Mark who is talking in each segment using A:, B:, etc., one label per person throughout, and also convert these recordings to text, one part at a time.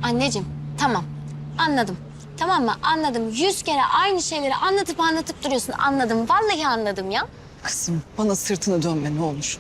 A: Anneciğim tamam anladım. Tamam mı? Anladım. 100 kere aynı şeyleri anlatıp duruyorsun. Anladım. Vallahi anladım ya.
B: Kızım bana sırtını dönme ne olur.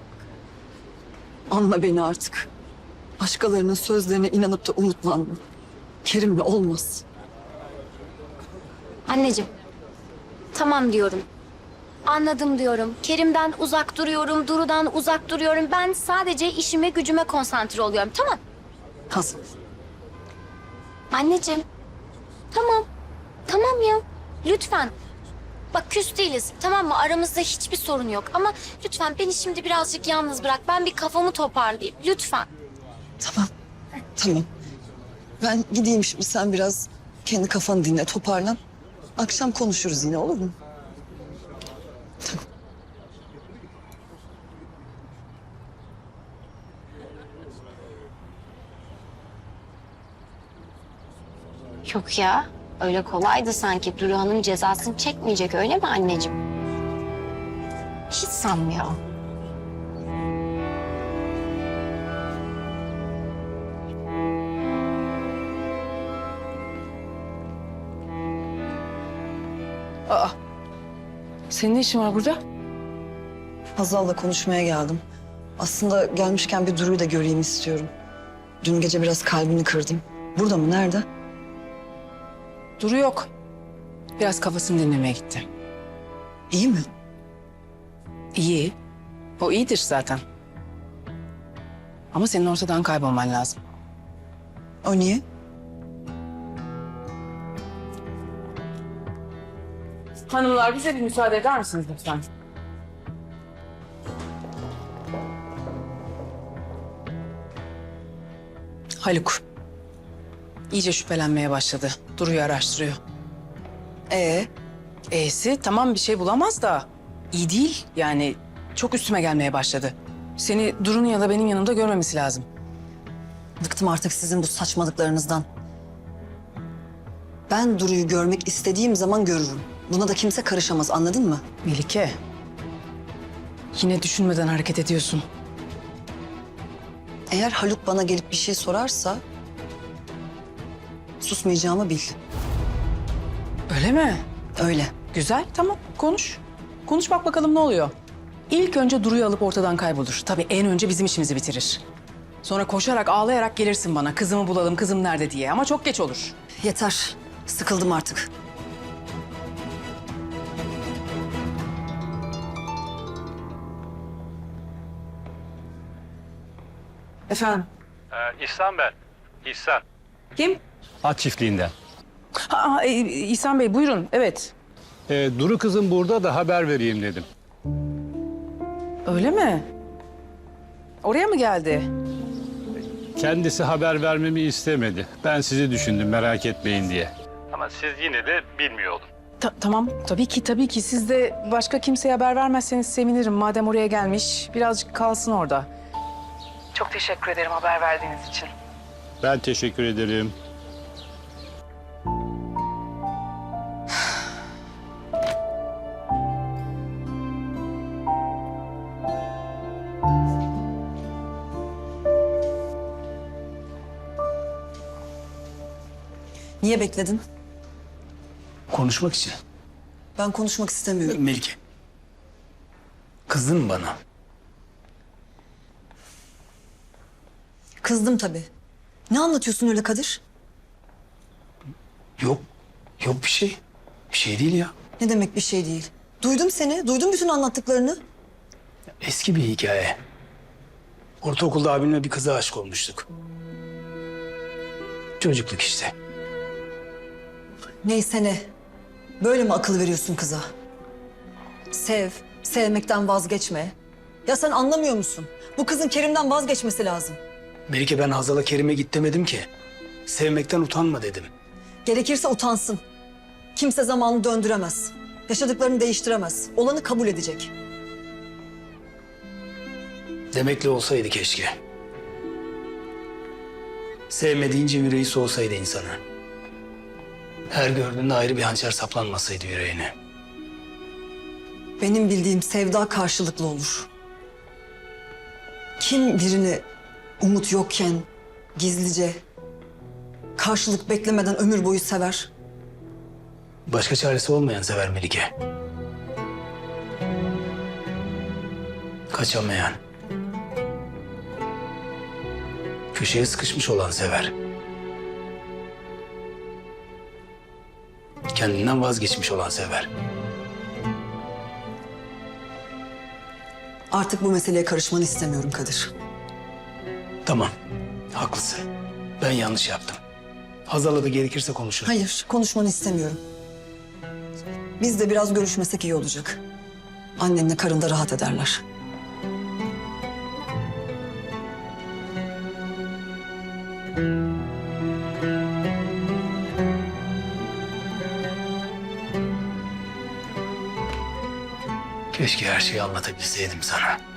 B: Anla beni artık. Başkalarının sözlerine inanıp da umutlanma. Kerim'le olmaz.
A: Anneciğim tamam diyorum. Anladım diyorum. Kerim'den uzak duruyorum. Duru'dan uzak duruyorum. Ben sadece işime gücüme konsantre oluyorum. Tamam.
B: Hazal.
A: Anneciğim. Tamam. Tamam ya. Lütfen. Bak küs değiliz. Tamam mı? Aramızda hiçbir sorun yok. Ama lütfen beni şimdi birazcık yalnız bırak. Ben bir kafamı toparlayayım. Lütfen.
B: Tamam. Tamam. Ben gideyim şimdi sen biraz kendi kafanı dinle toparlan. Akşam konuşuruz yine olur mu? Tamam.
A: Yok ya. Öyle kolaydı sanki. Duru Hanım cezasını çekmeyecek öyle mi anneciğim? Hiç sanmıyorum.
C: Aa, senin ne işin var burada?
B: Hazal'la konuşmaya geldim. Aslında gelmişken bir Duru'yu da göreyim istiyorum. Dün gece biraz kalbini kırdım. Burada mı? Nerede?
C: Duru yok. Biraz kafasını dinlemeye gitti.
B: İyi mi?
C: İyi. O iyidir zaten. Ama senin ortadan kaybolman lazım.
B: O niye?
C: Hanımlar bize bir müsaade eder misiniz lütfen? Haluk. İyice şüphelenmeye başladı. Duru'yu araştırıyor. Tamam bir şey bulamaz da iyi değil. Yani çok üstüme gelmeye başladı. Seni Duru'nun ya da benim yanımda görmemesi lazım.
B: Bıktım artık sizin bu saçmalıklarınızdan. Ben Duru'yu görmek istediğim zaman görürüm. Buna da kimse karışamaz, anladın mı?
C: Melike. Yine düşünmeden hareket ediyorsun.
B: Eğer Haluk bana gelip bir şey sorarsa... susmayacağımı bil.
C: Öyle mi?
B: Öyle.
C: Güzel, tamam. Konuş. Konuş bak bakalım ne oluyor. İlk önce Duru'yu alıp ortadan kaybolur. Tabii en önce bizim işimizi bitirir. Sonra koşarak, ağlayarak gelirsin bana. Kızımı bulalım, kızım nerede diye. Ama çok geç olur.
B: Yeter. Sıkıldım artık.
C: Efendim?
D: İhsan ben. İhsan.
C: Kim?
D: At çiftliğinden.
C: İhsan Bey buyurun. Evet.
D: Duru kızım burada da haber vereyim dedim.
C: Öyle mi? Oraya mı geldi?
D: Kendisi haber vermemi istemedi. Ben sizi düşündüm merak etmeyin diye. Ama siz yine de bilmiyor olun.
C: Tamam. Tabii ki. Siz de başka kimseye haber vermezseniz sevinirim. Madem oraya gelmiş, birazcık kalsın orada. Çok teşekkür ederim haber verdiğiniz için.
D: Ben teşekkür ederim.
B: Niye bekledin?
E: Konuşmak için.
B: Ben konuşmak istemiyorum.
E: Melike. Kızdın mı bana?
B: Kızdım tabii. Ne anlatıyorsun öyle Kadir?
E: Yok. Yok bir şey. Bir şey değil ya.
B: Ne demek bir şey değil? Duydum seni. Duydum bütün anlattıklarını.
E: Eski bir hikaye. Ortaokulda abimle bir kıza aşık olmuştuk. Çocukluk işte.
B: Neyse ne. Böyle mi akıl veriyorsun kıza? Sev, sevmekten vazgeçme. Ya sen anlamıyor musun? Bu kızın Kerim'den vazgeçmesi lazım.
E: Melike ben Hazal'a Kerim'e git demedim ki. Sevmekten utanma dedim.
B: Gerekirse utansın. Kimse zamanı döndüremez. Yaşadıklarını değiştiremez. Olanı kabul edecek.
E: Demekle olsaydı keşke. Sevme deyince yüreği soğusaydı insana. Her gördüğünde ayrı bir hançer saplanmasaydı yüreğine.
B: Benim bildiğim sevda karşılıklı olur. Kim birini umut yokken gizlice karşılık beklemeden ömür boyu sever.
E: Başka çaresi olmayan sever Melike. Kaçamayan. Köşeye sıkışmış olan sever. Kendinden vazgeçmiş olan sever.
B: Artık bu meseleye karışmanı istemiyorum Kadir.
E: Tamam, haklısın. Ben yanlış yaptım. Hazal'la da gerekirse konuşuruz.
B: Hayır, konuşmanı istemiyorum. Biz de biraz görüşmesek iyi olacak. Annenle karın da rahat ederler.
E: Keşke her şeyi anlatabilseydim sana.